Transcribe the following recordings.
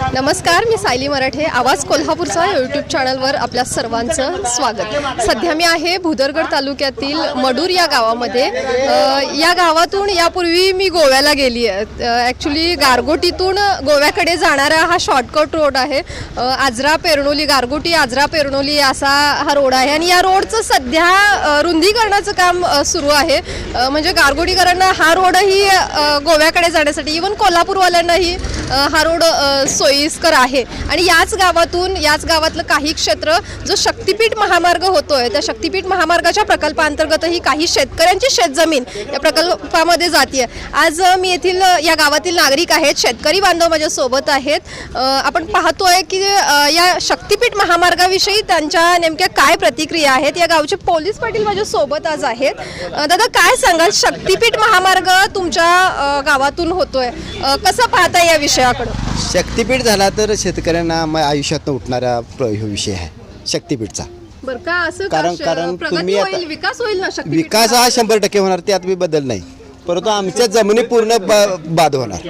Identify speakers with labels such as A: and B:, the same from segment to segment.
A: नमस्कार, मी सायली मराठे. आवाज कोल्हापूरचा यूट्यूब चॅनलवर आपल्या सर्वांचं स्वागत. सध्या मी आहे भुदरगड तालुक्यातील मडूर या गावामध्ये. या गावातून यापूर्वी मी गोव्याला गेली आहे. ॲक्च्युली गारगोटीतून गोव्याकडे जाणारा हा शॉर्टकट रोड आहे. आजरा पेरणोली, गारगोटी आजरा पेरणोली असा हा रोड आहे आणि या रोडचं सध्या रुंदीकरणाचं काम सुरू आहे. म्हणजे गारगोटीकरांना हा रोडही गोव्याकडे जाण्यासाठी, इवन कोल्हापूरवाल्यांनाही हा रोड सोयीस्कर आहे. आणि याच गावातलं काही क्षेत्र जो शक्तिपीठ महामार्ग होतोय, त्या शक्तिपीठ महामार्गाच्या प्रकल्पांतर्गतही काही शेतकऱ्यांची शेतजमीन या प्रकल्पामध्ये जाते. आज मी येथील या गावातील नागरिक आहेत, शेतकरी बांधव माझ्या सोबत आहेत. आपण पाहतोय की या शक्तिपीठ महामार्गाविषयी त्यांच्या नेमक्या काय प्रतिक्रिया आहेत. या गावचे पोलीस पाटील माझ्या सोबत आज आहेत. दादा, काय सांगाल, शक्तिपीठ महामार्ग तुमच्या गावातून होतोय, कसं पाहता या विषयाकडे?
B: शक्तिपीठ झाला तर शेतकऱ्यांना आयुष्यात उठणारा विषय आहे शक्तिपीठचा.
A: बरं का, असं
B: कारण तुम्ही
A: होईल, विकास होईल ना?
B: विकास हा 100% होणार, त्यात मी बदल नाही, परंतु आमच्या जमिनी पूर्ण बाद होणार.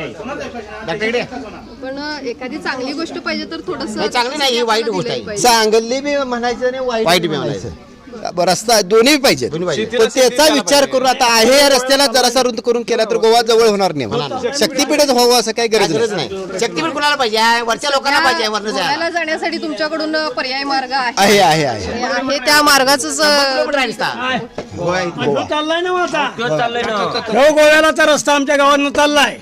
A: पण एखादी चांगली गोष्ट पाहिजे तर थोडंसं
C: चांगली नाही, ही वाईट गोष्ट आहे.
B: चांगली बी म्हणायचं आणि वाईट बी म्हणायचं. रस्ता दोन्ही पाहिजे, पण त्याचा विचार करून आता आहे या रस्त्याला जरासा रुंद करून केला तर गोवा जवळ होणार नाही. शक्तिपीठच व्हावं असं काही गरज नाही.
C: शक्तिपीठ कुणाला पाहिजे? वरच्या लोकांना पाहिजे.
A: गोव्याला जाण्यासाठी तुमच्याकडून पर्याय मार्ग
B: आहे आहे
A: आहे त्या मार्गाचं
D: चाललाय ना आता गोव्याला रस्ता आमच्या गावात चाललाय.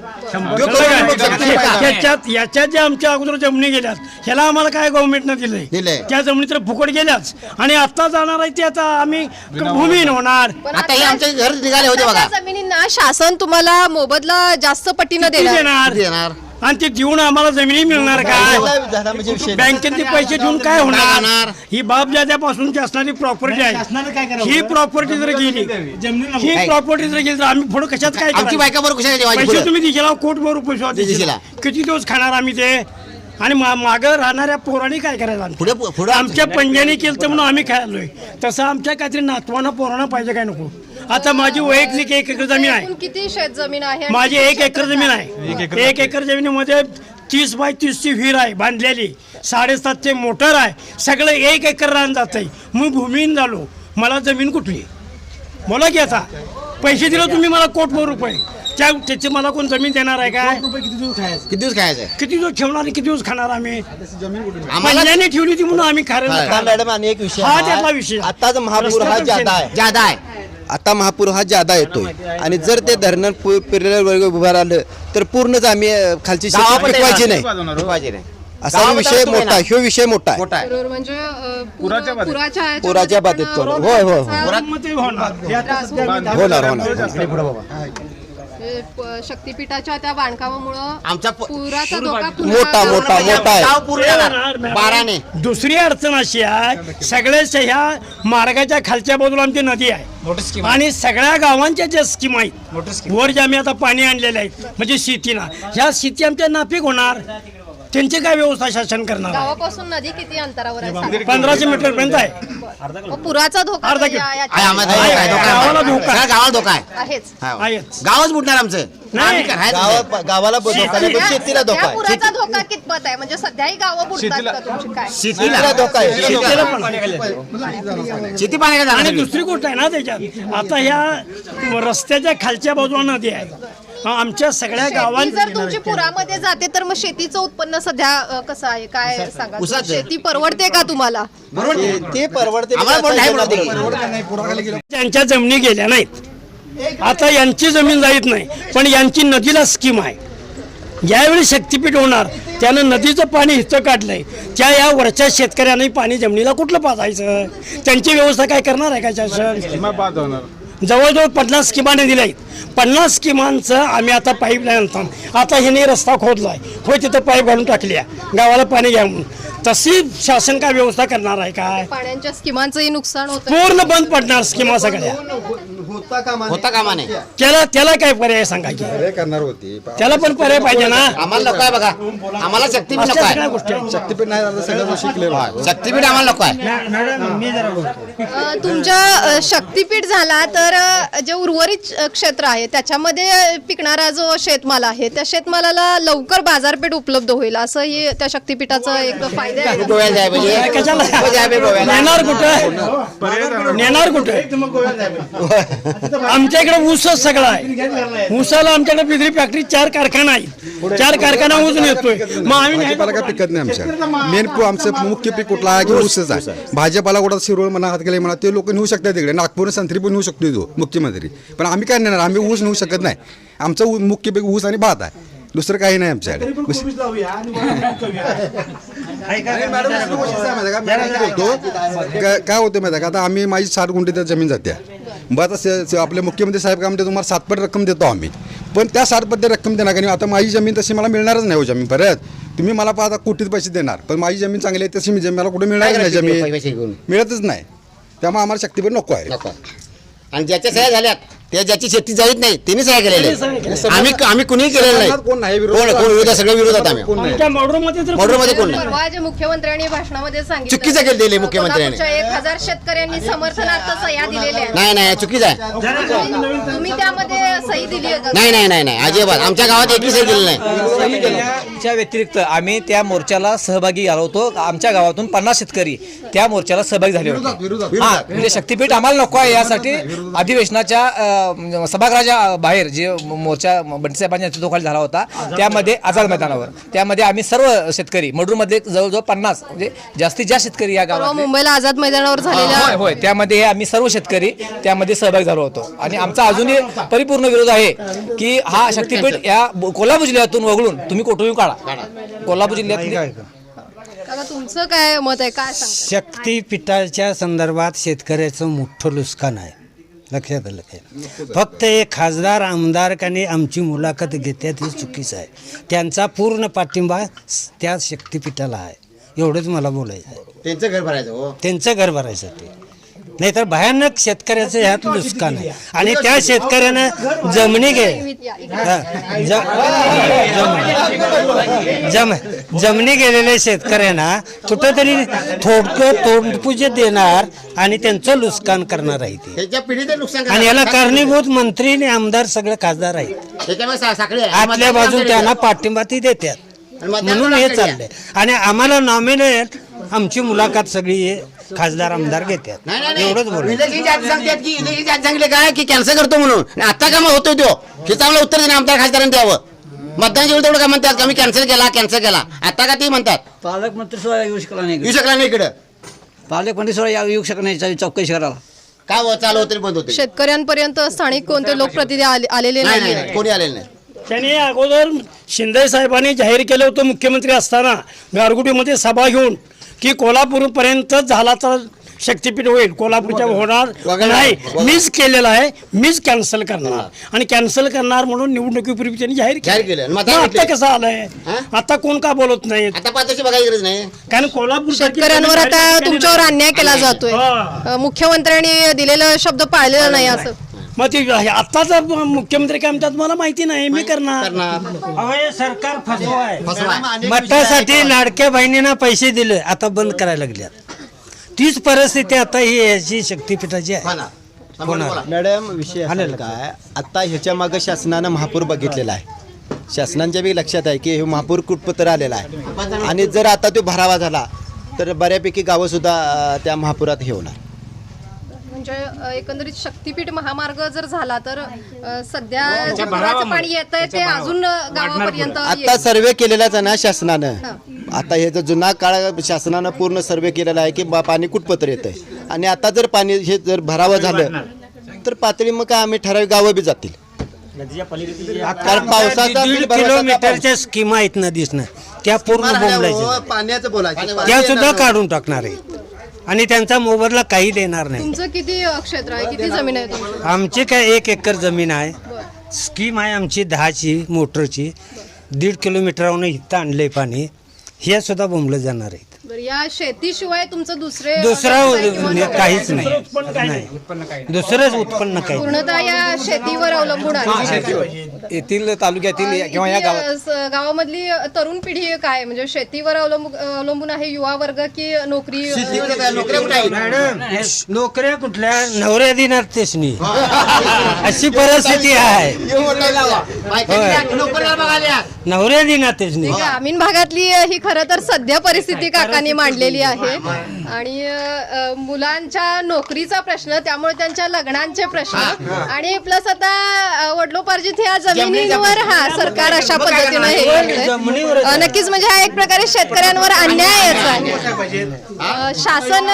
D: याच्यात जे आमच्या अगोदर जमिनी गेल्यात, ह्याला आम्हाला काय गव्हर्नमेंटनं दिलंय? त्या जमिनी तर फुकट गेल्याच आणि आता जाणार आहे ते आता आम्ही भूमीहीन होणार.
C: आता हे आमचे घर निघाले होते बघा.
A: जमिनींना शासन तुम्हाला मोबदला जास्त पटीनं
C: देणार
D: आणि ते देऊन आम्हाला जमिनी मिळणार काय? बँकेत पैसे देऊन काय होणार? ही बाप जाद्यापासूनची असणारी प्रॉपर्टी आहे. ही प्रॉपर्टी जर गेली तर आम्ही पुढे कशात काय?
C: आमची बायका बरोबर
D: पैसे तुम्ही दिशेला कोटभर रुपये किती दिवस खाणार आम्ही ते? आणि मागं राहणाऱ्या पोरांनी काय करायचं?
C: पुढे
D: आमच्या पंजाने केलं तर म्हणून आम्ही खायलोय. तसं आमच्या काहीतरी नातवांना पोरांना पाहिजे काय नको? आता माझी वैयक्तिक 1 एकर जमीन आहे.
A: किती शेत जमीन आहे?
D: माझी 1 एकर जमीन आहे. 1 एकर जमिनीमध्ये 30 बाय 30ची विहीर आहे बांधलेली, 7.5चे मोटर आहे. सगळं 1 एकर रान जात आहे. मी भूमीहीन झालो, मला जमीन कुठली? बोला की आता पैसे दिले तुम्ही मला कोटभर रुपये, त्याची मला कोण जमीन देणार आहे काय?
C: किती दिवस खायचं?
D: किती दिवस ठेवणार, किती दिवस खाणार आम्ही? आम्हाला ठेवली ती म्हणून आम्ही खायला.
B: मॅडम, आणि एक विषय,
D: हा त्यातला विषय.
B: आताच महापूर हा जादा आहे. आता महापूर हा जादा येतोय आणि जर ते धरण वर्ग उभा राहिलं तर पूर्णच आम्ही खालची शेती पिकवायची नाही. असा विषय मोठा, ह्यो विषय मोठा आहे.
A: म्हणजे
B: पुराच्या बाधित होय होय होणार.
A: शक्तिपीठाच्या त्या बांधकामामुळे
C: आमचा
A: पुराचा धोका
B: मोठा आहे.
C: बाराने.
D: दुसरी अडचण अशी आहे, सगळ्याच ह्या मार्गाच्या खालच्या बाजूला आमची नदी आहे आणि सगळ्या गावांच्या ज्या स्कीम आहेत वर ज्या आम्ही आता पाणी आणलेले आहेत म्हणजे शेतीला, ह्या शेती आमच्या नापीक होणार. त्यांची काय व्यवस्था शासन करणार?
A: गावापासून नदी किती अंतरावर आहे?
D: 1500 मीटर पर्यंत आहे.
A: पुराचा धोका
D: अर्धा
C: गावाला धोका
A: आहेच.
D: आहेच.
C: गावच बुडणार आमचं.
D: नाही.
B: गावाला धोका नाही, पण शेतीला धोका आहे.
A: पुराचा धोका कितपत आहे? म्हणजे सध्याही गावं बुडतात का तुमची? काय
B: शेतीला धोका आहे.
D: शेतीला पण.
C: शेती पाण्याचा.
D: आणि दुसरी गोष्ट आहे ना त्याच्यात, आता ह्या रस्त्याच्या खालच्या बाजूला नदी आहे. आमच्या सगळ्या गावांनी
A: जर तुमची पुरामध्ये जाते तर मग शेतीचं उत्पन्न सध्या कसं आहे, काय सांगा? शेती परवडते का तुम्हाला?
B: ते परवडते.
D: त्यांच्या जमिनी गेल्या नाहीत, आता यांची जमीन जात नाही, पण यांची नदीला स्कीम आहे. ज्यावेळी शक्तिपीठ होणार त्यानं नदीचं पाणी हिचं काढलंय, त्या या वरच्या शेतकऱ्यांनी पाणी जमिनीला कुठलं पाजायचं? त्यांची व्यवस्था काय करणार आहे का शासन? जवळजवळ 50 स्कीमाने दिल्या आहेत. 50 स्कीमांचं आम्ही आता पाईपलाईन आणतो. आता ह्याने रस्ता खोदलाय, होय तिथं पाईप घालून टाकल्या गावाला पाणी घ्या म्हणून. तशी शासन काय व्यवस्था करणार आहे काय?
A: पाण्याच्या स्कीमांचंही नुकसान होतं,
D: पूर्ण बंद पडणार स्कीमा सगळ्या.
C: होता कामा नाही.
D: त्याला काय पर्याय सांगा की
E: करणार होती
D: त्याला पण पर्याय पाहिजे ना.
C: आम्हाला नको आहे बघा, आम्हाला शक्तीपीठ नको
D: अशा सगळ्या
C: आहे.
D: गोष्टी आहेत.
E: शक्तीपीठ नाही झालं सगळं शिकले
C: शक्तीपीठ आम्हाला नको आहे.
A: तुमच्या शक्तीपीठ झाला तर जे उर्वरित क्षेत्र आहे त्याच्यामध्ये पिकणारा जो शेतमाल आहे त्या शेतमालाला लवकर बाजारपेठ उपलब्ध होईल असं ही त्या शक्तीपीठाचा एक फायदा आहे.
C: गोव्याला जाय पाहिजे.
D: कशाला
C: हो, जाय पाहिजे गोव्याला.
D: नेणार कुठं आमच्या इकडे ऊसच सगळं आहे. ऊसाला आमच्याकडे बिजली फॅक्टरी 4 कारखाना आहेत. 4 कारखाना ऊस नेतोय. मग आम्ही
E: भाजीपाला काय पिकत नाही आमच्या मेन आमचं मुख्य पीक कुठला आहे की ऊसच आहे. भाजीपाला कुठं शिरोळ म्हणा हातगेले म्हणा ते लोक नेऊ शकतात तिकडे. नागपूर संत्री पण नेऊ शकतो तो मुख्यमंत्री, पण आम्ही काय नेणार, आम्ही ऊस नेऊ शकत नाही. आमचं मुख्य पीक ऊस आणि भात आहे, दुसरं काही नाही आमच्याकडे. काय होतं माहिती आहे का, आता आम्ही माझी 60 गुंठे त्या जमीन जाते. मग आता आपले मुख्यमंत्री साहेब काय म्हणते तुम्हाला 7 पट रक्कम देतो आम्ही, पण त्या 7 पट रक्कम देणार का नाही. आता माझी जमीन तशी मला मिळणारच नाही हो जमीन परत. तुम्ही मला आता कोटीत पैसे देणार, पण माझी जमीन चांगली आहे तशी मी जमीन मला कुठे मिळणार नाही,
C: पैसे घेऊन
E: जमीन मिळतच नाही. त्यामुळे आम्हाला शक्तीपीठ नको आहे.
C: नको. आणि ज्याच्या सह्या झाल्यात त्या ज्याची शेती जाईत नाही त्यांनी सह्या केलेल्या. आम्ही कुणीही केलेलं नाही.
E: कोण नाही
C: कोण विरोध, सगळं विरोधात आम्ही.
D: आमच्या मॉडर्नमध्ये तर
C: मॉडर्नमध्ये कोण नाही.
A: परवा जे मुख्यमंत्र्यांनी भाषणामध्ये सांगितलं
C: चुकीचं केलं दिले मुख्यमंत्र्यांनी.
A: कोल्हापूरच्या 1000 शेतकऱ्यांनी समर्थनार्थ सह्या दिलेल्या आहेत.
C: नाही चुकीचं आहे.
A: तुम्ही त्यामध्ये सही दिली आहे का?
C: नाही अजिबात आमच्या गावात एकही सही दिली नाही.
F: च्या व्यतिरिक्त आम्ही त्या मोर्चाला सहभागी झालो होतो. आमच्या गावातून 50 शेतकरी त्या मोर्चाला सहभागी झाले होते. हा, म्हणजे शक्तीपीठ आम्हाला नको आहे यासाठी अधिवेशनाच्या सभागृहाच्या बाहेर जे मोर्चा बंटीसाहेबांच्या नेतृत्वाखाली झाला होता त्यामध्ये आझाद मैदानावर, त्यामध्ये आम्ही सर्व शेतकरी मडूरमध्ये जवळजवळ 50 म्हणजे जास्तीत जास्त शेतकरी या
A: परवा
F: गावात
A: मुंबईला आझाद मैदानावर झालेल्या
F: होय त्यामध्ये आम्ही सर्व शेतकरी त्यामध्ये सहभागी झालो होतो. आणि आमचा अजूनही परिपूर्ण विरोध आहे की हा शक्तीपीठ या कोल्हापूर जिल्ह्यातून वगळून तुम्ही कुठूनही काढा. कोल्हापूर जिल्ह्यात
A: काका, तुमचं काय मत आहे, काय सांगता?
G: शक्तीपीठाच्या संदर्भात शेतकऱ्याचं मोठं नुकसान आहे, लक्षात आलं काय. फक्त एक खासदार आमदारकाने आमची मुलाखत घेतात हे चुकीचं आहे. त्यांचा पूर्ण पाठिंबा त्या शक्तीपीठाला आहे, एवढंच मला बोलायचं आहे.
C: त्यांचं घर भरायचं हो.
G: त्यांचं घर भरायसाठी, नाहीतर भयानक शेतकऱ्याचं ह्यात नुकसान आहे. आणि त्या शेतकऱ्यानं जमिनी जमिनी गेलेल्या शेतकऱ्यांना कुठंतरी थोडकं तोंडपुजे देणार आणि त्यांचं नुकसान करणार आहे ते.
C: त्याच्या पिढीचं नुकसान
G: आणि याला कारणीभूत मंत्री आणि आमदार सगळे खासदार आहेत.
C: त्याच्यामुळे साखळी आहे.
G: आतल्या बाजून त्यांना पाठिंबा ती देतात, म्हणून हे चाललंय. आणि आम्हाला नॉमिनेट आमची मुलाखत सगळी खासदार आमदार घेतात, एवढंच बोल.
C: इलेक्शनच्या आधी सांगतात की इलेक्शनच्या आधी सांगितले काय की कॅन्सल करतो म्हणून. आता का मग होतोय तो हे चांगलं उत्तर देणे आमदार खासदारांनी द्यावं. मतदानाच्या वेळी तेवढं काय म्हणतात की आम्ही कॅन्सल केला. आता का ते म्हणतात
H: पालकमंत्री सुद्धा येऊ शकला नाही.
C: येऊ शकला नाही इकडं.
H: पालकमंत्री सुद्धा येऊ शकत नाही चौकशी करायला.
C: काय चालू होते बंद होते.
A: शेतकऱ्यांपर्यंत स्थानिक कोणते लोकप्रतिनिधी आलेले नाही.
C: नाही कोणी आलेलं नाही.
D: त्यांनी अगोदर शिंदे साहेबांनी जाहीर केलं होतं मुख्यमंत्री असताना गारगुटीमध्ये सभा घेऊन की कोल्हापूरपर्यंत झाला तर शक्तीपीठ होईल, कोल्हापूरच्या होणार नाही. मीच केलेला आहे, मीच कॅन्सल करणार आणि कॅन्सल करणार म्हणून निवडणुकीपूर्वी त्यांनी जाहीर
C: केलं.
D: केलं. आता कसं आलंय, आता कोण का बोलत नाही.
C: आता पाचशे बघायची गरज नाही.
D: कारण कोल्हापूर
A: शेतकऱ्यांवर आता तुमच्यावर अन्याय केला जातोय. मुख्यमंत्र्यांनी दिलेला शब्द पाळलेला नाही असं.
D: मग ते आत्ताचा मुख्यमंत्री काय म्हणतात मला माहिती नाही, मी करणार.
G: हे सरकार फसवा आहे. मठासाठी लाडक्या बहिणींना पैसे दिले, आता बंद करायला लागल्यात. तीच परिस्थिती आता ही याची शक्तीपीठाची आहे.
B: मॅडम विषय असा काय, आता ह्याच्या मागं शासनानं महापूर बघितलेला आहे. शासनांच्या बी लक्षात आहे की हे महापूर कुठपत्र आलेला आहे. आणि जर आता तो भरावा झाला तर बऱ्यापैकी गावं सुद्धा त्या महापुरात हे होणार.
A: म्हणजे एकंदरीत शक्तीपीठ महामार्ग जर झाला तर सध्या जे पुराचं पाणी येत आहे ते अजून गावापर्यंत
B: आता सर्वे केलेलाच आहे ना शासनानं. आता हे जर जुना काळ शासनानं पूर्ण सर्वे केलेला आहे की पाणी कुठपत्र येत आहे. आणि आता जर पाणी हे जर भरावं झालं तर पातळी मग काय आम्ही ठराविक गावं बी जातील. कारण पावसाचा
G: 1.5 किलोमीटरच्या स्कीमा आहेत नदीसनं, त्या पूर्ण बोंबलायच्या,
B: पाण्याचं बोलायचं
G: त्या सुद्धा काढून टाकणार आहे. आणि त्यांचा मोबदला काही देणार नाही.
A: तुमचं किती क्षेत्र आहे, किती जमीन आहे तुमची?
G: आमची काय 1 एकर जमीन आहे. स्कीम आहे आमची 10ची मोटरची. 1.5 किलोमीटरवरून इथं आणलंय पाणी. हे सुद्धा बोंबलं जाणार आहेत.
A: बरं, या शेतीशिवाय तुमचं दुसरा
G: दुसरं
A: किंवा नोकरी?
G: काहीच नाही, दुसरंच उत्पन्न काही
A: पूर्णतः या शेतीवर अवलंबून आहे.
F: येथील तालुक्यातील किंवा या गावात
A: गावामधली तरुण पिढी काय म्हणजे शेतीवर अवलंबून आहे, युवा वर्ग की नोकरी?
C: नोकऱ्या कुठे आहेत?
G: मॅडम नोकऱ्या कुठल्या नवऱ्या दिनात तेच नाही अशी परिस्थिती आहे.
C: नोकऱ्या बघायला
G: नवऱ्या दिनात तेच नाही.
A: ग्रामीण भागातली ही खरं तर सध्या परिस्थिती काकांनी मांडलेली आहे. आणि मुलांच्या नोकरीचा प्रश्न, त्यामुळे त्यांच्या लग्नांचे प्रश्न, आणि प्लस आता वडिलोपार्जित ह्या जमिनीवर सरकार अशा पद्धतीनं हे करतंय. नक्कीच म्हणजे हा एक प्रकारे शेतकऱ्यांवर अन्यायच आहे. शासन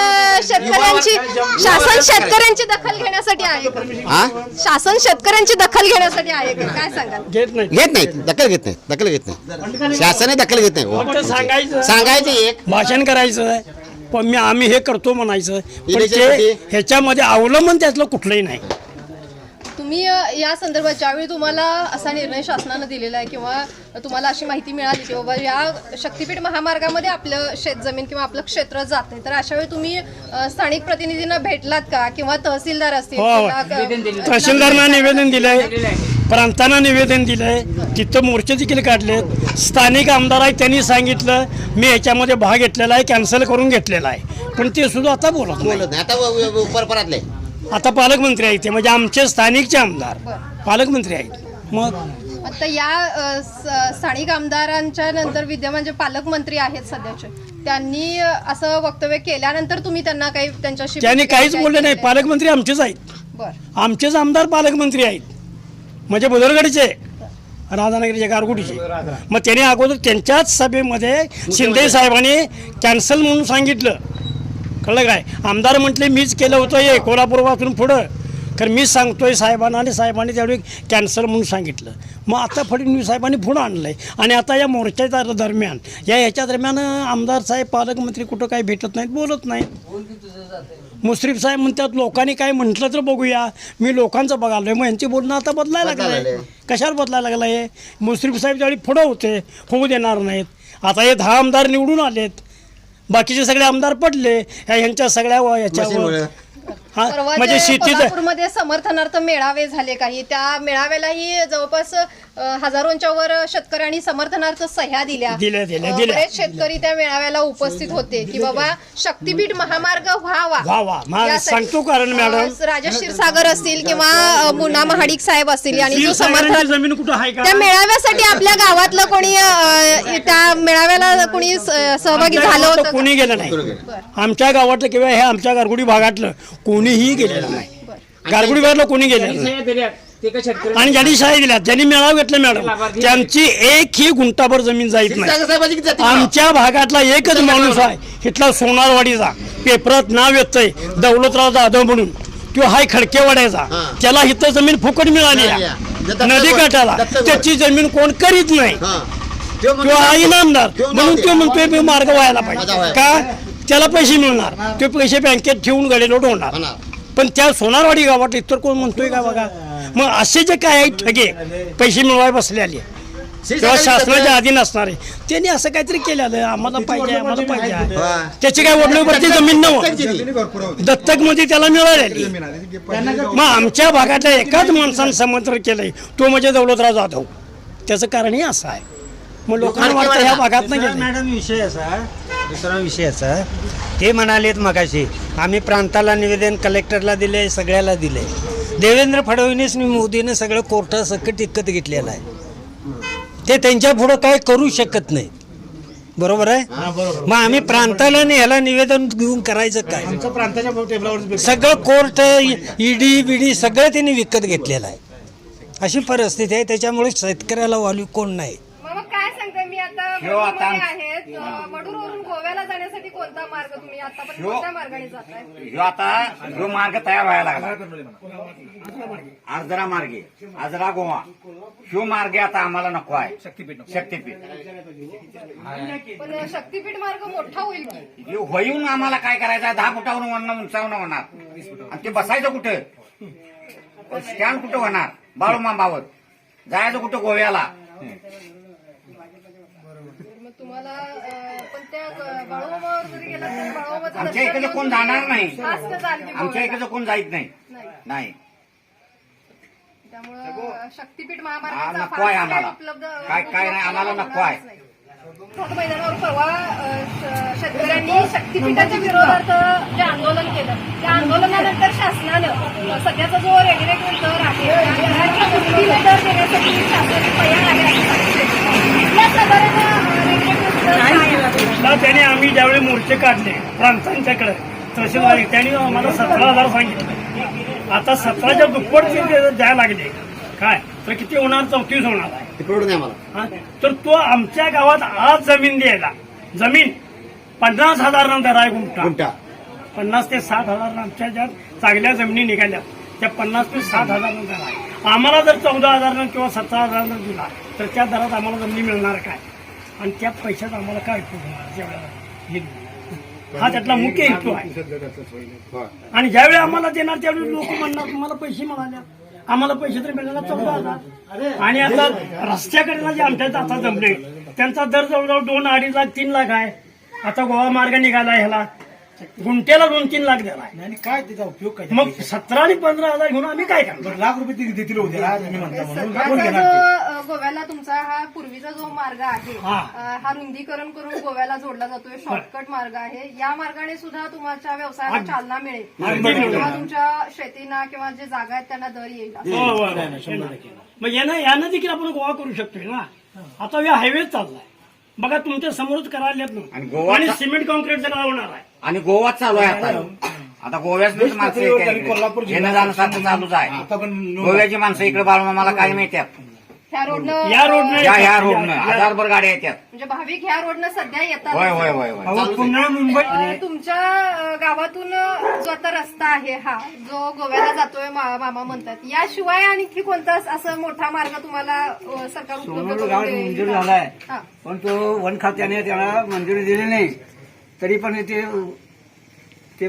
A: शेतकऱ्यांची दखल घेण्यासाठी आहे का? शासन शेतकऱ्यांची दखल घेण्यासाठी आहे का? काय सांगाल?
D: घेत नाही.
C: घेत नाही, दखल घेत नाही. शासनाने दखल घेत नाही.
D: फक्त
C: सांगायचं एक
D: भाषण करायचं, पण आम्ही हे करतो म्हणायचं, पण
C: इलेक्शन
D: ते ह्याच्यामध्ये अवलंबन त्यातलं कुठलंही नाही.
A: तुम्ही या संदर्भात ज्यावेळी तुम्हाला असा निर्णय शासनानं दिलेला आहे किंवा तुम्हाला अशी माहिती मिळाली की बाबा या शक्तीपीठ महामार्गामध्ये आपलं शेतजमीन किंवा आपलं क्षेत्र जाते, तर अशा वेळी तुम्ही स्थानिक प्रतिनिधींना भेटलात का किंवा तहसीलदार असतील किंवा
D: तहसीलदारांना निवेदन दिलंय, प्रांतांना निवेदन दिलंय, तिथं मोर्चे देखील काढलेत. स्थानिक आमदार आहेत, त्यांनी सांगितलं मी ह्याच्यामध्ये भाग घेतलेला आहे, कॅन्सल करून घेतलेला आहे, पण ते सुद्धा आता बोलत नाही.
C: बोलत नाही. आता परपरातले
D: आता पालकमंत्री आहेत ते, म्हणजे आमचे स्थानिकचे आमदार पालकमंत्री आहेत. मग
A: आता या स्थानिक आमदारांच्या नंतर विद्यमान जे पालकमंत्री आहेत सध्याचे, त्यांनी असं वक्तव्य केल्यानंतर तुम्ही त्यांना काही त्यांच्याशी
D: त्यांनी काहीच बोलले नाही. पालकमंत्री आमचेच आहेत,
A: बरं
D: आमचेच आमदार पालकमंत्री आहेत, म्हणजे बुदरगडचे, राधानगरीचे, गारगुटीचे. मग त्यांनी अगोदर त्यांच्याच सभेमध्ये शिंदे साहेबांनी कॅन्सल म्हणून सांगितलं, कळलं काय? आमदार म्हटले मीच केलं होतं हे कोल्हापूर वाचून पुढं, कारण मीच सांगतोय साहेबांना, आणि साहेबांनी त्यावेळी कॅन्सल म्हणून सांगितलं. मग आता फडणवीस साहेबांनी पुढं आणलं आहे, आणि आता या मोर्चाच्या दरम्यान ह्याच्या दरम्यान आमदार साहेब पालकमंत्री कुठं काही भेटत नाहीत, बोलत नाहीत. मुश्रीफ साहेब म्हणतात लोकांनी काय म्हटलं तर बघूया, मी लोकांचं बघालोय. मग यांची बोलणं आता बदलायला लागलंय. कशाला बदलायला लागलं आहे? मुश्रीफ साहेब त्यावेळी पुढं होते, होऊ देणार नाहीत. आता हे 10 आमदार निवडून आलेत, बाकीचे सगळे आमदार पडले ह्यांच्या सगळ्या याच्यावर.
A: परवा
D: म्हणजे शेतीचं
A: कोल्हापूरमध्ये समर्थनार्थ मेळावे झाले काही, त्या मेळाव्यालाही जवळपास हजारोंच्या वर शेतकऱ्यांनी समर्थनार्थ सह्या दिल्या. बरेच शेतकरी त्या मेळाव्याला उपस्थित होते की बाबा शक्तीपीठ महामार्ग व्हावा.
D: सांगतो कारण मॅडम,
A: राजेश क्षीरसागर असतील किंवा मुन्ना महाडिक साहेब असतील, आणि जो समर्थन
D: जमीन कुठं आहे का?
A: त्या मेळाव्यासाठी आपल्या गावातलं कोणी त्या मेळाव्याला कोणी सहभागी झालं होतं?
D: कोणी गेलं नाही. आमच्या गावातलं किंवा हे आमच्या गारगुडी भागातलं कोणीही गेलेलं नाही. गारगुडी भागातलं कोणी गेलेलं नाही. आणि ज्यांनी शाळा दिल्या, ज्यांनी मेळावा घेतला मॅडम, त्यांची एकही गुंठाभर जमीन जात नाही. आमच्या भागातला एकच माणूस आहे, इथला सोनारवाडीचा, पेपरात नाव येतंय दौलतराव जाधव म्हणून, तो हाय खडकेवाड्याचा, त्याला इथं जमीन फुकट मिळाली नदी काठाला, त्याची जमीन कोण करीत नाही. तो हा इनामदार म्हणून तो म्हणतोय मी मार्ग व्हायला पाहिजे का, त्याला पैसे मिळणार, ते पैसे बँकेत ठेवून गडेलोट होणार. पण त्या सोनारवाडी गावात इतर कोण म्हणतोय का बघा. मग असे जे काय आहेत ठगे पैसे मिळवाय बसले आले तेव्हा शासनाच्या अधीन असणारे, त्यांनी असं काहीतरी केलेलं आम्हाला पाहिजे, आम्हाला पाहिजे, त्याची काय वडलोवरती जमीन नव्हती, दत्तक मध्ये त्याला मिळालेली. मग आमच्या भागातल्या एकाच माणसानं समर्थन केलंय, तो म्हणजे दौलतराव जाधव. त्याचं कारणही असं आहे. मग लोकांना वाटतं ह्या भागात नाही.
G: मॅडम विषय असा, दुसरा विषय असा, ते म्हणालेत मगाशी आम्ही प्रांताला निवेदन कलेक्टरला दिले, सगळ्याला दिले. देवेंद्र फडणवीस मोदीनं सगळं कोर्टासकट इकत घेतलेलं आहे, ते त्यांच्या पुढं काय करू शकत नाही. बरोबर आहे. मग आम्ही प्रांताला ह्याला निवेदन घेऊन करायचं काय? सगळं कोर्ट, ईडी बिडी सगळं त्यांनी विकत घेतलेलं आहे. अशी परिस्थिती आहे. त्याच्यामुळे शेतकऱ्याला वाली कोण नाही.
A: काय सांगते मी आता आहेत मडूरवरून गोव्याला जाण्यासाठी कोणता मार्ग तुम्ही आतापर्यंत कोणत्या मार्गाने जाताय?
I: जो मार्ग तयार व्हायला लागला, आजरा मार्गे, आजरा गोवा, ह्यो मार्ग आता आम्हाला नको आहे. शक्तीपीठ
A: पण शक्तीपीठ मार्ग मोठा होईल की
I: होईन, आम्हाला काय करायचं आहे? 10 फुटावरून उंचावणं होणार, आणि ते बसायचं कुठं? स्टँड कुठं होणार? बाळूमांबावर जायचं कुठं? गोव्याला.
A: तुम्हाला त्या बाळूमामावर जरी गेला तर बाळूमामाचं
I: आमच्या
A: दर्शन
I: इकडे कोण
A: घेऊन
I: जाणार नाही.
A: खास कसं आणखी
I: आमच्या
A: गोव्याला?
I: इकडे कोण जात नाही.
A: नाही.
I: नाही
A: त्यामुळं शक्तीपीठ
I: हा,
A: महामार्गाचा
I: नको आहे
A: फारसा
I: आम्हाला.
A: उपलब्ध
I: काय नाही, आम्हाला नको आहे.
A: नाही. खत मैदानावर परवा शेतकऱ्यांनी शक्तीपीठाच्या विरोधात जे आंदोलन केलं त्या आंदोलनानंतर शासनानं सध्याचा जो रेग्युलेटर दर आहे त्या दराच्या दुपटीने दर देण्यासाठी शासन तयार आहे असं सांगितलं. या साधारण रेग्युलेटर दर काय आहे?
D: ना त्याने आम्ही ज्यावेळी मोर्चे काढले प्रांतांच्याकडे तहसीलदार त्याने आम्हाला 17,000 सांगितलं. आता 17च्या दुप्पटचे ते द्यायला लागले काय तर किती होणार 34 होणार आहे.
C: ते परवडत नाही मला.
D: हा? तर तो आमच्या गावात आज जमीन द्यायला जमीन 50,000 दर आहे गुंठा.
C: गुंठा
D: 50 ते 60,000 आमच्या ज्या चांगल्या जमिनी निघाल्या त्या 50 ते 60,000 दर आहे. आम्हाला जर 14,000 किंवा 17,000 दिला तर त्या दरात आम्हाला जमिनी मिळणार काय आणि त्या पैशात आम्हाला काय उपयोग होणार जेवढ्या हा त्यातला मुख्य हेतू आहे. आणि ज्यावेळी आम्हाला देणार त्यावेळी लोक म्हणणार तुम्हाला पैसे मिळाले आम्हाला पैसे तर मिळाला 14,000 आणि आता रस्त्याकडेला जे आमच्या आता जमले त्यांचा दर जवळजवळ 2, 2.5 लाख 3 लाख आहे. आता गोवा मार्ग निघाला ह्याला गुंट्याला 2-3 लाख द्यायला
J: आणि काय त्याचा उपयोग काय
D: मग 17 आणि 15,000 घेऊन आम्ही काय करणार.
J: लाख रुपये देतील उद्या तुम्ही म्हणता म्हणून कोण
A: सध्याचा
J: घेणार ते?
A: जो गोव्याला तुमचा हा पूर्वीचा जो मार्ग आहे
D: हा.
A: हा रुंदीकरण करून गोव्याला जोडला जातोय शॉर्टकट मार्ग आहे. या मार्गाने सुद्धा तुमच्या व्यवसायाला चालना मिळेल किंवा तुमच्या शेतीना किंवा जे जागा आहेत त्यांना दर येईल असं.
D: हो. मग यानं देखील आपण गोवा करू शकतोय ना. आता या हायवे चाललाय बघा तुमच्या समोरच करायला येत
I: आणि
D: नाही
I: गोवा-
D: आणि सिमेंट कॉन्क्रीटचं नाव होणार आहे.
I: आणि गोवात चालू आहे आता गोव्याच माणसं येतात.
J: कोल्हापूर
I: येणं जाणं सारखं चालूच आहे.
J: आता पण
I: गोव्याची माणसं इकडे बाळूमामाला काय मिळतात
A: ह्या रोडनं
D: या रोडनं
I: ह्या रोडनं हजारभर गाड्या येतात.
A: म्हणजे भाविक ह्या रोडनं सध्या येतात.
I: होय होय होय होय
D: पुणे मुंबई
A: तुमच्या गावातून जो आता रस्ता आहे हा जो गोव्याला जातोय मामा म्हणतात याशिवाय आणखी कोणता असं मोठा मार्ग तुम्हाला सरकार उपलब्ध
H: सोनवड
A: करून
H: गावात
A: देईल?
H: मंजूर झालाय
A: हा.
H: पण तो वन खात्याने त्याला मंजुरी दिली नाही तरी पण ते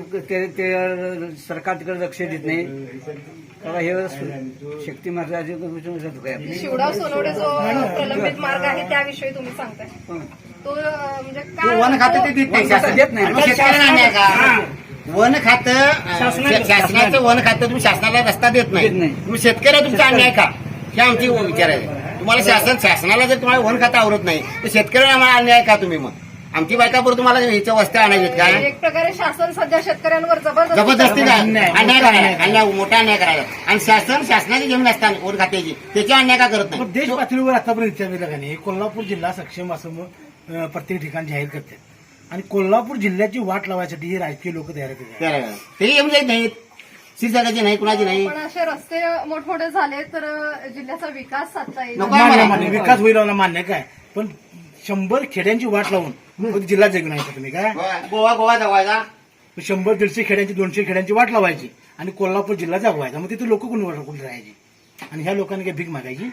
H: सरकार तिकडे लक्ष देत नाही. तेव्हा हे शक्ती मार्गाची
A: शिवडाव सोनवडे जो प्रलंबित मार्ग आहे त्याविषयी तुम्ही सांगताय तो म्हणजे काय
I: वन खातं ते देत नाही शासन.
H: देत नाही.
I: मग शेतकऱ्यांना अन्याय का? वन खातं शासनाचं वन खातं तुम्ही शासनाला रस्ता देत नाही.
H: देत नाही.
I: तुम्ही शेतकऱ्या तुमचा अन्याय का हे आमची विचार आहे. तुम्हाला शासनाला जर तुम्हाला वन खातं आवडत नाही तर शेतकऱ्यांना आम्हाला अन्याय का तुम्ही मग आमची बायकापूर तुम्हाला ह्याच्या वस्त्या आणायची काय
A: एक प्रकारे शासन सध्या शेतकऱ्यांवर
I: जबरदस्ती काय अन्याय करायला अन्याय मोठा अन्याय करायला आणि शासनाची जमीन असताना वन खात्याची त्याच्या अन्याय का करत
J: मग
I: नाही.
J: देश पातळीवर आतापर्यंत विचारलेलं का नाही कोल्हापूर जिल्हा सक्षम असं मग प्रत्येक ठिकाणी जाहीर करतात आणि कोल्हापूर जिल्ह्याची वाट लावायसाठी हे राजकीय लोक तयार करतात.
I: ते येऊन जात नाहीत शिरसागाची नाही कुणाची नाही.
A: पण असे रस्ते मोठमोठे झाले तर जिल्ह्याचा विकास साधता येईल.
I: नको आहे मला.
J: मान्य, विकास होईल मला मान्य काय पण 100 खेड्यांची वाट लावून मग जिल्हा जगून आहे का तुम्ही काय
I: गोवा जवळचा
J: 100-150 खेड्यांची 200 खेड्यांची वाट लावायची आणि कोल्हापूर जिल्हा जगवायचा मग तिथे लोक कोणी राहायची आणि ह्या लोकांनी काय भीक मागायची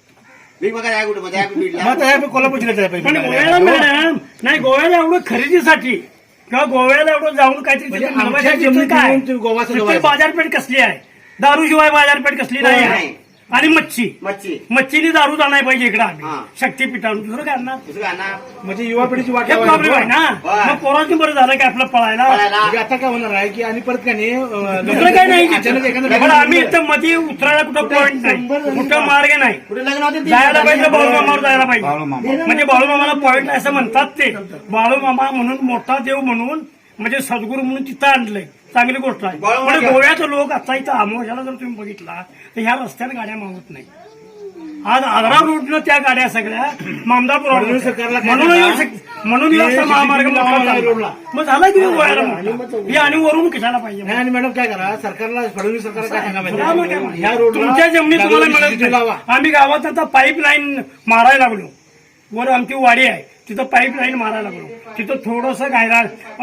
I: मी बघा काय कुठे मध्ये
J: मग आता ह्या कोल्हापूर जिल्ह्यात
D: पण गोव्याला मॅडम नाही गोव्याला एवढं खरेदीसाठी किंवा गोव्याला एवढं जाऊन काहीतरी
J: म्हणजे
D: तिथे
J: आमच्या
D: मिळवायचं
J: जमिनीत
D: काय?
J: येऊन तुम्ही गोवा
D: तिथे
J: सजवायचं.
D: बाजारपेठ कसली आहे दारूशिवाय बाजारपेठ कसली नाही आहे
I: नाही.
D: आणि मच्छी
I: मच्छी
D: मच्छीनी दारू जाणार पाहिजे इकडे आम्ही
I: हा.
D: शक्तीपीठावर दुसरं काय आणणार
I: दुसरं आणा.
J: म्हणजे युवा पिढीची वाट
D: हे प्रॉब्लेम आहे ना
I: होय.
D: मग पोरांनी बरं झालं की आपलं पळायला
I: पळायला.
J: म्हणजे आता काय होणार आहे की आणि परत काय नाही
D: दुसरं काय नाही
J: अचानक एखादं
D: पण आम्ही इथं मध्ये उतरायला कुठं पॉईंट नाही कुठं मार्ग नाही
I: कुठे लग्न होते ते?
D: जायला पाहिजे बाळूमामावर जायला पाहिजे
I: बाळूमामा.
D: म्हणजे बाळूमामाला पॉईंट असं म्हणतात ते बाळूमामा म्हणून मोठा देव म्हणून म्हणजे सद्गुरू म्हणून तिथं आणलंय चांगली गोष्ट आहे
I: बाळूमामा
D: पण गोव्याचे लोक आता इथं आमोशाला जर तुम्ही बघितला तर ह्या रस्त्याने गाड्या मागत नाही आज आग्रा रोडनं त्या गाड्या सगळ्या मामदापूर
J: म्हणून सरकारला काय
D: म्हणून
J: करणार?
D: म्हणून
J: हे
D: रस्ता महामार्ग मोठा
J: महामार्ग
D: झाला.
J: रोडला.
D: मग झाला की गोव्याला मोठा. हे आणि वरून कशाला पाहिजे
J: नाही आणि मॅडम काय करा सरकारला फडणवीस सरकारला काय सांगा
D: तुला मग काय
J: माहिती ह्या रोडला
D: तुमच्या जमिनी तुम्हाला मिळत
J: लावा
D: नाही. आम्ही गावात आता पाईपलाईन मारायला लागलो वर आमची वाडी आहे तिथं पाईपलाईन मारायला लागलो तिथं थोडस गायरा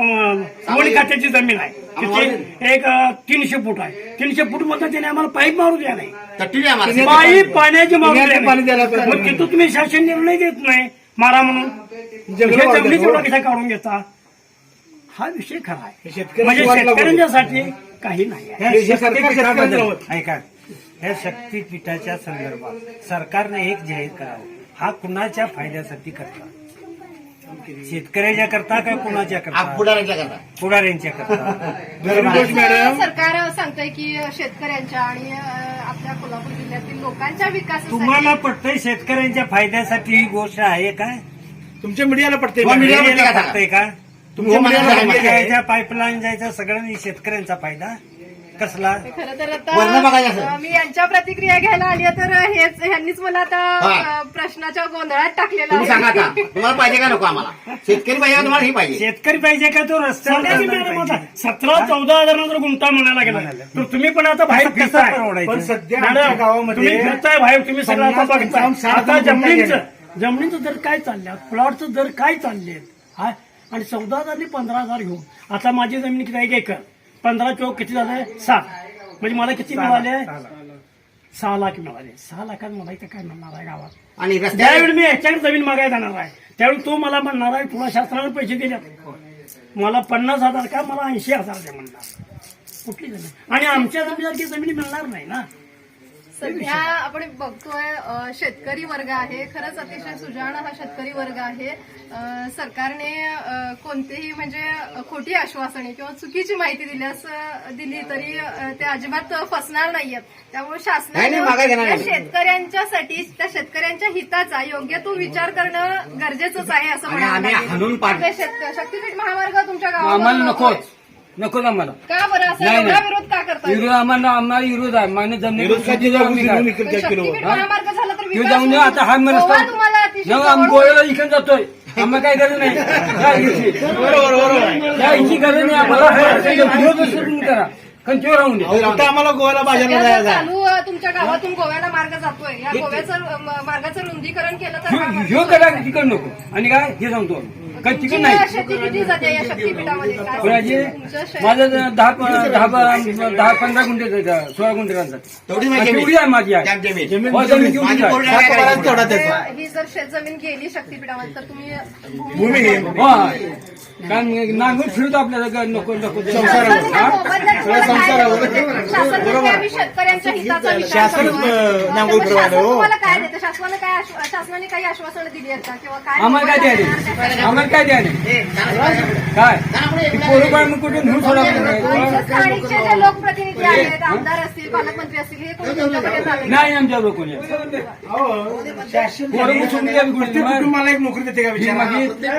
D: वन खात्याची जमीन आहे तिथे एक 300 फूट आहे 300 फूट मध्ये त्याने आम्हाला पाईप मारू द्या नाही
I: तट्टी द्या मला.
D: पाईप पाण्याची मारू द्या
J: पिण्याचं पाणी द्यायला
D: नाही.
J: पाहिजे.
D: मग तिथं तुम्ही शासन निर्णय देत नाही मारा म्हणून
J: जंगलं
D: हे
J: वाढवतात.
D: जमिनी तेवढा कशा काढून घेता हा विषय खरा आहे
J: शेतकऱ्याची
D: म्हणजे
J: वाट लागू.
D: शेतकऱ्यांच्यासाठी काही नाही आहे.
J: हे सरकार
G: ऐका या
D: शेतकऱ्याच्या करता काय कोणाच्या करता
I: पुढाऱ्यांच्या करता
D: पुढाऱ्यांच्या करता
A: सरकार सांगतंय की शेतकऱ्यांच्या आणि आपल्या कोल्हापूर जिल्ह्यातील लोकांच्या विकासासाठी
D: तुम्हाला पटतंय शेतकऱ्यांच्या फायद्यासाठी ही गोष्ट आहे काय
J: तुमच्या मीडियाला पडते
D: मीडियाला पटतंय का
J: तुमच्या मीडियाला
D: पाईपलाईन जायचा सगळ्यांनी शेतकऱ्यांचा फायदा कसला
A: खरं तर
I: वर्ण बघायचं
A: आता
I: असेल.
A: मी यांच्या प्रतिक्रिया घ्यायला आली आहे, तर ह्यांनीच मला आता प्रश्नाच्या गोंधळात टाकलेला
I: तुम्ही सांगा
A: आहे.
I: आता तुम्हाला पाहिजे का नको आम्हाला शेतकरी पाहिजे का तुम्हाला ही पाहिजे
D: शेतकरी पाहिजे का तो रस्त्यावर 17-14 गुंठा म्हणायला गेला तर तुम्ही पण आता बाहेर फिरताय
J: पण सध्या
D: मॅडम,
J: आमच्या गावामध्ये
D: तुम्ही फिरताय बाहेर तुम्ही सगळं आता
J: 50
D: बघताय.
J: 60
D: आता
J: गुंठे
D: जमिनीचं दर काय चालले प्लॉटचं दर काय चालले हा आणि 14,000 आणि 15,000 घेऊन आता माझी जमीन किती आहे 1 एकर 15 चौक किती झालंय 7 म्हणजे मला किती मिळाले 6 लाख मिळाले 6 लाखात मला इथं काय मिळणार आहे गावात
I: आणि
D: ज्यावेळी
I: रस्त्यावर
D: मी ह्याच्याकडे जमीन मागायला जाणार आहे त्यावेळी तो मला म्हणणार आहे तुला शास्त्राने पैसे दिले मला 50,000 का मला 80,000 द्या म्हणणार कुठली जमीन आणि आमच्या जमिनीसारखी जमीन मिळणार नाही ना
A: सध्या आपण बघतोय शेतकरी वर्ग आहे, खरंच अतिशय सुजाण हा शेतकरी वर्ग आहे. सरकारने कोणतेही म्हणजे खोटी आश्वासने किंवा चुकीची माहिती दिली तरी ते अजिबात फसणार नाहीयेत. त्यामुळे
I: नाही, मागे घेणार
A: शासनाने
I: नाही.
A: त्या शेतकऱ्यांच्यासाठी त्या शेतकऱ्यांच्या हिताचा योग्य तो विचार करणं गरजेचंच आहे असं
I: आणि आम्ही
A: म्हणायला
I: हाणून पाड
A: लागेल. शक्तीपीठ महामार्ग तुमच्या
H: आम्हाला
A: गावात
H: नकोच नकोच आम्हाला
A: का बरं असं
H: नाही,
A: एवढा
H: नाही.
A: विरोध का करता
H: विरोध आम्हाला विरोध आहे मान्य जमीन
A: शक्तीपीठ महामार्ग झाला तर
H: तू जाऊन दे, आता हा मला
A: गोवा तुम्हाला अतिशय
H: आम्ही
A: जवळ
H: गोव्याला इकडे जातोय आम्हाला काय गरज नाही त्या हिची गरज नाही आम्हाला विरोध तुम्ही करा कंचीवर राहून दे
J: आम्हाला गोव्याला बाजारला
A: सध्या
J: जायचं आहे.
A: चालू तुमच्या गावातून गोव्याला मार्ग जातोय या गोव्याचं मार्गाचं रुंदीकरण केलं तर हा मार्ग
H: ह्यो करा तिकड नको आणि काय हे सांगतो काय तिकड
A: तुमची
H: नाही
A: शेती किती जाते या शक्तीपीठामध्ये काय
H: कोणाची
A: तुमचं शेत-
H: माझं 10-15 गुंठे 16 गुंठे राहतात
I: तेवढी माहिती आहे.
H: तेवढी आहे माझी आहे
I: जमीन.
H: हो, जमीन तेवढीच
I: माझी
H: आहे.
I: पूर्ण आहे का?
A: ही जर शेतजमीन गेली शक्तीपीठामध्ये तर तुम्ही
J: भूमी घे.
H: हो कारण नांगून फिरतो आपल्याला नको नको
A: शासन शेतकऱ्यांच्या हिताचा विचार
J: शासन,
A: करतोय.
J: नांगूर
A: त्यामुळे
J: फिरवायला,
A: शासन
J: हो.
A: तुम्हाला काय देतं शासनाने काही आश्वासनं दिली आहेत का किंवा काय
H: आम्हाला काय द्यायला आम्हाला काय द्यायला काय पोरं बाळ मग कुठे घेऊन सोडा
A: स्थानिकचे जे लोकप्रतिनिधी आहेत आमदार असतील पालकमंत्री असतील हे कोणी तुमच्याकडे झाले
H: नाही आमच्या लोकांनी
J: शासन
H: पोरं बसून द्या बिघडून.
J: प्रत्येक कुटुंबाला एक नोकरी देते का
H: ही
J: विचार
H: माझी
A: काय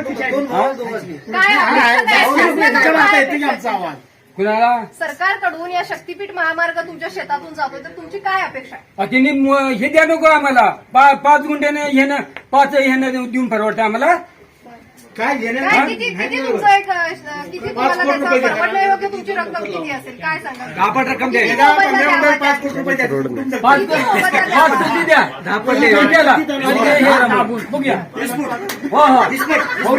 J: येते की आमचा आवाज
H: कुणाला
A: सरकारकडून या शक्तीपीठ महामार्ग तुमच्या शेतातून जातो तर तुमची काय अपेक्षा आहे
H: तिने हे द्या नको आम्हाला 5 गुंठ्याने हे ना 5 ह्यानं देऊन परवडतं आम्हाला
J: काय घेणं
A: काय किती तुमचं एक किती तुम्हाला त्याचा परवडणं योग्य तुमची रक्कम किती असेल काय सांगा
H: आपण रक्कम द्या
J: 5 कोटी रुपये द्या.
H: 5 कोटी द्या 10 पडले गुंठ्याला. आणि हे मागून बघूया हो हो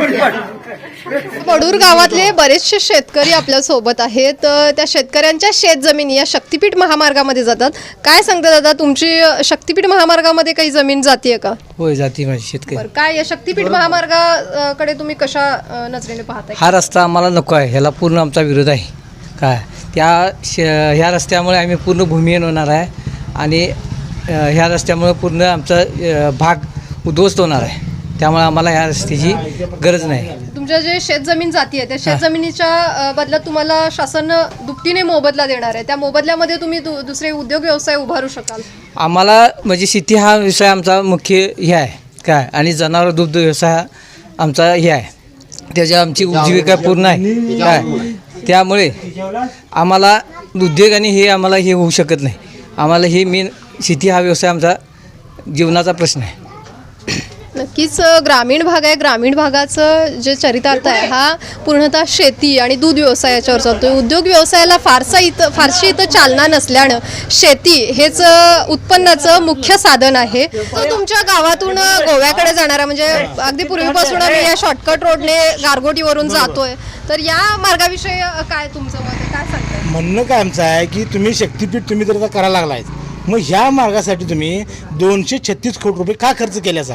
A: मडूर गावातले बरेचसे शेतकरी आपल्या सोबत आहेत. त्या शेतकऱ्यांच्या शेतजमिनी या शक्तीपीठ महामार्गामध्ये जातात. काय सांगता दादा तुमची शक्तीपीठ महामार्गामध्ये काही जमीन जातीये का?
G: होय जाती माझी शेतकरी
A: बरं, काय या शक्तीपीठ महामार्गाकडे तुम्ही कशा नजरेने पाहताय?
G: हा रस्ता आम्हाला नको आहे ह्याला पूर्ण आमचा विरोध आहे काय ह्या रस्त्यामुळे आम्ही पूर्ण भूमिहीन होणार आहे आणि ह्या रस्त्यामुळे पूर्ण आमचा भाग उद्ध्वस्त होणार आहे त्यामुळे आम्हाला ह्या रस्त्याची गरज नाही.
A: तुमच्या जे शेतजमीन जाती आहे त्या शेतजमिनीच्या बदल्यात तुम्हाला शासन दुपटीने मोबदला देणार आहे. त्या मोबदल्यामध्ये तुम्ही दुसरे उद्योग व्यवसाय उभारू शकाल.
G: आम्हाला म्हणजे शेती हा विषय आमचा मुख्य हे आहे काय आणि जनावर दुग्ध व्यवसाय हा आमचा हे आहे त्याच्या आमची उपजीविका पूर्ण आहे काय त्यामुळे आम्हाला उद्योग आणि हे आम्हाला हे होऊ शकत नाही. आम्हाला हे मेन शेती हा व्यवसाय आमचा जीवनाचा प्रश्न आहे.
A: नक्कीच ग्रामीण भाग आहे. ग्रामीण भागाचं जे चरितार्थ आहे हा पूर्णतः शेती आणि दूध व्यवसायाच्यावर चालतो. उद्योग व्यवसायाला फारशी इथं चालना नसल्यानं शेती हेच उत्पन्नाचं मुख्य साधन आहे. तो तुमच्या गावातून गोव्याकडे जाणारा म्हणजे अगदी पूर्वीपासून आम्ही या शॉर्टकट रोडने गारगोटीवरून जातोय तर या मार्गाविषयी काय तुमचं मत आहे? काय सांगताय?
J: म्हणणं काय आमचं आहे की तुम्ही शक्तीपीठ तुम्ही जर करायला लागलाय मग ह्या मार्गासाठी तुम्ही 236 कोटी रुपये का खर्च केल्याचा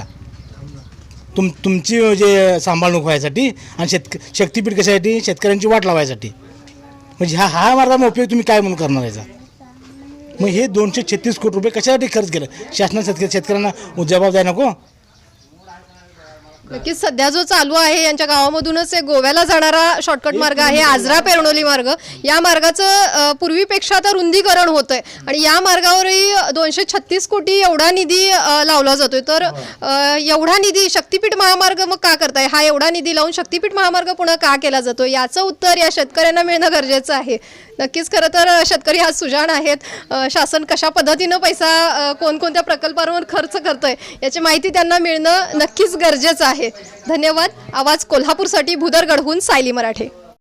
J: तुमची जे सांभाळणूक व्हायसाठी आणि शक्तीपीठ कशासाठी शेतकऱ्यांची वाट लावायसाठी म्हणजे हा मार्गाचा उपयोग तुम्ही काय म्हणून करणार याचा मग हे 236 कोटी रुपये कशासाठी खर्च केलं शासनाने शेतकऱ्यांना जबाब द्यायला नको
A: नक्कीच सध्या जो चालू आहे यांच्या गावामधूनच एक गोव्याला जाणारा शॉर्टकट मार्ग आहे आजरा पेरणोली मार्ग. या मार्गाचं पूर्वीपेक्षा आता रुंदीकरण होतंय आणि या मार्गावरही 236 कोटी एवढा निधी लावला जातोय. तर एवढा निधी शक्तीपीठ महामार्ग मग का करताय? हा एवढा निधी लावून शक्तीपीठ महामार्ग पुन्हा का केला जातो? याचं उत्तर या शेतकऱ्यांना मिळणं गरजेचं आहे. नक्कीच खरं तर शेतकरी आज सुजाण आहेत. शासन कशा पद्धतीनं पैसा कोणकोणत्या प्रकल्पांवर खर्च करतोय याची माहिती त्यांना मिळणं नक्कीच गरजेचं आहे. धन्यवाद. आवाज कोल्हापूरसाठी भुदरगडहून सायली मराठे.